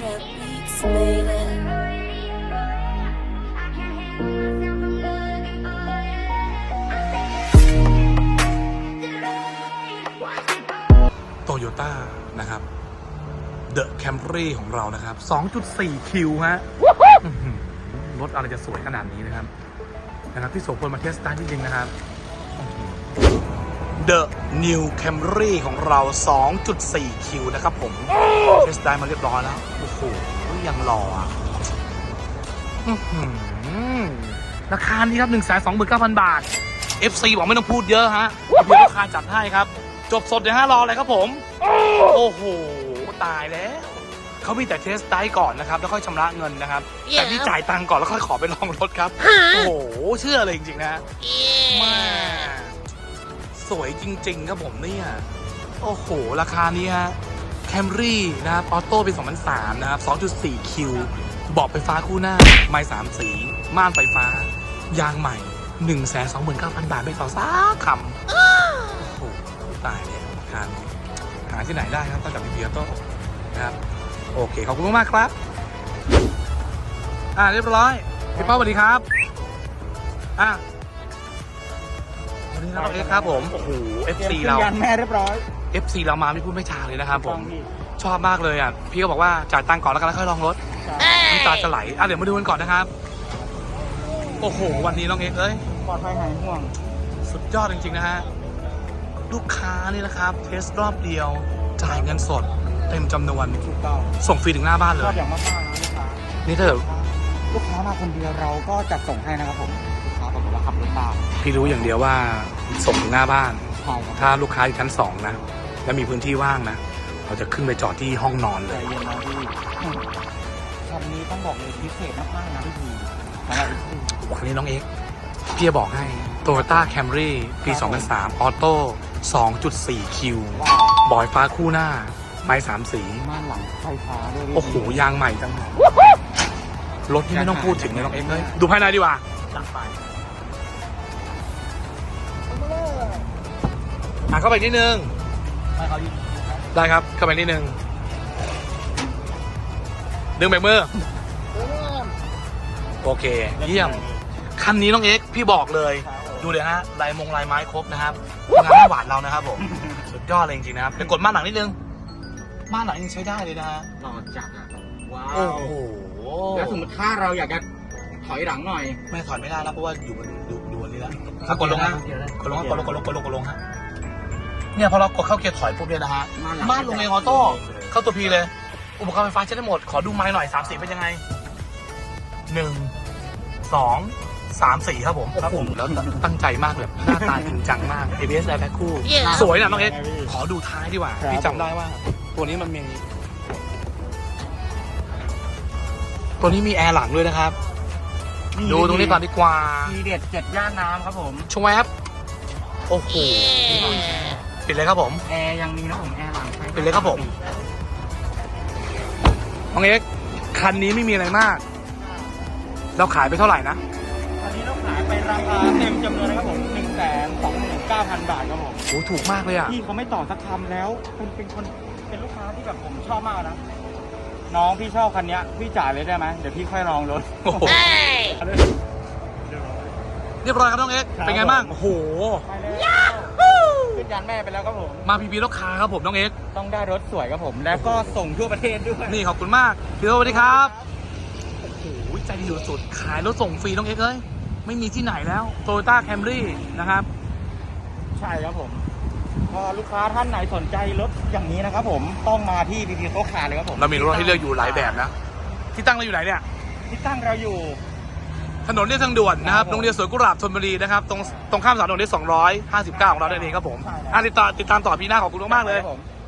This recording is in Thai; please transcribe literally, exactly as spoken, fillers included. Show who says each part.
Speaker 1: trap beats, baby.
Speaker 2: โตโยต้านะครับ The Camry ของเรานะครับ สองจุดสี่ คิว ฮะรถอะไรจะสวยขนาดนี้นะครับนะครับที่โสพลมาเทสต์ได้จริงๆนะครับ The New Camry ของเรา สองจุดสี่ คิว นะครับผมเทสต์ได้มาเรียบร้อยแล้วโอ้โหยังหล่ออ่ะราคานี้ครับ หนึ่งแสนสองหมื่นเก้าพัน บาท เอฟ ซี บอกไม่ต้องพูดเยอะฮะเดี๋ยวราคาจัดให้ครับจบสดเดี๋ยวห้ารอเลยครับผมโอ้โหตายแล้วเขามีแต่เทสต์ได้ก่อนนะครับแล้วค่อยชำระเงินนะครับ yeah. แต่นี่จ่ายตังค์ก่อนแล้วค่อยขอไปลองรถครับ โอ้โหเชื่อเลยจริงๆนะ yeah. มาสวยจริงๆครับผมเนี่ยโอ้โหราคานี้ฮะ Camry นะครับออโต้ปีสองพันสามนะครับ สองจุดสี่ คิว เบาะไฟฟ้าคู่หน้าไม้สามสีม่านไฟฟ้ายางใหม่ หนึ่งแสนสองหมื่นเก้าพัน บาทไม่ต่อสักคำโอ้โหตายแล้วราคานี้หาที่ไหนได้ครับต้องจากพีพีออโต้นะครับโอเคขอบคุณมากครับอ่าเรียบร้อยพี่เป้าสวัสดีครับอ่ะสวัสดีครับเอฟครับผมโอ้โห เอฟ ซี เรา
Speaker 3: ยันแม่เรียบร้อย
Speaker 2: เอฟ ซี เรามาไม่พูดไม่จาเลยนะครับผมชอบมากเลยอ่ะพี่ก็บอกว่าจ่ายตังค์ก่อนแล้วกันแล้วค่อยลองรถน้ำตาจะไหลอ่ะเดี๋ยวมาดูกันก่อนนะครับโอ้โหวันนี้น้องเอ็กซ์เอ้ย
Speaker 3: ปลอดภัยหายห่วง
Speaker 2: สุดยอดจริงๆนะฮะลูกค้านี่นะครับเทสรอบเดียวจ่ายเงินสดเต็มจำนวน
Speaker 3: ถูกต้อง
Speaker 2: ส่งฟรีถึงหน้าบ้านเลย
Speaker 3: ชอบอย่างมากๆนะลูกค้า
Speaker 2: นี่ถ้าเกิด
Speaker 3: ลูกค้ามาคนเดียวเราก็จัดส่งให้นะครับผมลูกค้าบอกว่าขับรถตาม
Speaker 2: พี่รู้อย่างเดียวว่าส่งถึงหน้าบ้าน
Speaker 3: ใช่ครับ
Speaker 2: ถ้าลูกค้าอยู่ชั้นสองนะและมีพื้นที่ว่างนะเราจะขึ้นไปจอดที่ห้องนอนเลย
Speaker 3: ใจเย็นนะพี่คันนี้ต้องบอกเลยพิเศษมากๆนะพี่พีสำหรับ
Speaker 2: วันนี้น้องเอ็กซ์พี่จะบอกให้ Toyota Camry ปี สองพันสาม ออโต้ สองจุดสี่ คิว บอยฟ้าคู่หน้าไม้สามสี
Speaker 3: ม่านหลังไฟฟ้าด้วย
Speaker 2: โอ้โหยางใหม่จังรถที่ไม่ต้องพูดถึงเลยน้องเอ็กซ์เลยดูภายในดีกว่าจัดไปอ่ะเข้าไปนิดนึงได้ครับเข้าไปนิดนึงดึงเบรกมือโอเคเยี่ยมคันนี้น้องเอ็กซ์พี่บอกเลยดูเลยฮะลายมงลายไม้ครบนะครับงานหวานเรานะครับผมสุดยอดเลยจริงๆนะครับเดี๋ยวกดม่านหลังนิดนึงม่านหลังยังใช้ได้เลยนะฮะ
Speaker 3: หล่อจัดอ่ะว้าว
Speaker 2: โอ้โห
Speaker 3: แล้วสมมติถ้าเราอยากจะถอยหลังหน่อย
Speaker 2: ไม่ถอยไม่ได้แล้วเพราะว่าอยู่บนดูดูนี่แล้วถ้ากดลงฮะกดลงกดลงกดลงกดลงกดลงฮะเนี่ยพอเรากดเข้าเกียร์ถอยปุ๊บเนี่ยนะฮะม่านลงเองออโต้เข้าตัวพีเลยอุปกรณ์ไฟฟ้าใช้ได้หมดขอดูไม้หน่อยสามสีเป็นยังไงหนึ่งสองสามสี่ครับผมครับผมแล้วตั้งใจมากเลยหน้าตาจริงจังมาก เอ บี เอส Airbag คู่สวยนะน้องเอ็กซ์ขอดูท้ายดีกว่าพี่จำได้ว่าตัวนี้มันมีตัวนี้มีแอร์หลังด้วยนะครับดูตรงนี้ก่อนดีกว่า
Speaker 3: ทีเด็ดเจ็ดย่านน้ำครับผม
Speaker 2: ชวบโอ้โหปิดเลยครับผม
Speaker 3: แอร์ยังมีนะผมแอร์หลัง
Speaker 2: ปิดเลยครับผมน้องเอ็กซ์คันนี้ไม่มีอะไรมากเราขายไปเท่าไหร่นะ
Speaker 3: คันนี้เราขายไปราคาเต็มจำนวนนะครับผมหนึ่งแสนสองหมื่นเก้าพันบาทครับผม
Speaker 2: โอ้ถูกมากเลยอ่ะ
Speaker 3: พี่เขาไม่ต่อสักคำแล้วคุณเป็นคนเป็นลูกค้าที่แบบผมชอบมากนะน้องพี่ชอบคันนี้พี่จ่ายเลยได้ไหมเดี๋ยวพี่ค่อยลองรถ
Speaker 2: โอ้โหเรียบร้อยครับน้องเอ็กซ์เป็นไงบ้างโอ้โห
Speaker 3: ขึ้นยันแม่ไปแล้วครับผม
Speaker 2: มาพีพีลูกค้าครับผมน้องเอ็กซ์
Speaker 3: ต้องได้รถสวยครับผมแล้วก็ส่งทั่วประเทศด้วย
Speaker 2: นี่ขอบคุณมากพี่สวัสดีครับโอ้โหใจดีสุดๆขายรถส่งฟรีน้องเอ็กซ์เอ้ยไม่มีที่ไหนแล้ว Toyota Camry นะครับ
Speaker 3: ใช่ครับผมพอลูกค้าท่านไหนสนใจรถอย่างนี้นะครับผมต้องมาที่พีพีโต๊ะคาเลยครับผม
Speaker 2: เรามีรถให้เลือกอยู่หลายแบบนะที่ตั้งเราอยู่ไหนเนี่ย
Speaker 3: ที่ตั้งเราอยู่
Speaker 2: ถนนเรียบทางด่วนนะครับโรงเรียนสวนกุหลาบธนบุรีนะครับตรงตรงข้ามสามถนนที่สองร้อยห้าสิบเก้าของเราได้เองครับผมติดต่อติดตามต่อพี่หน้าขอบคุณมากเลย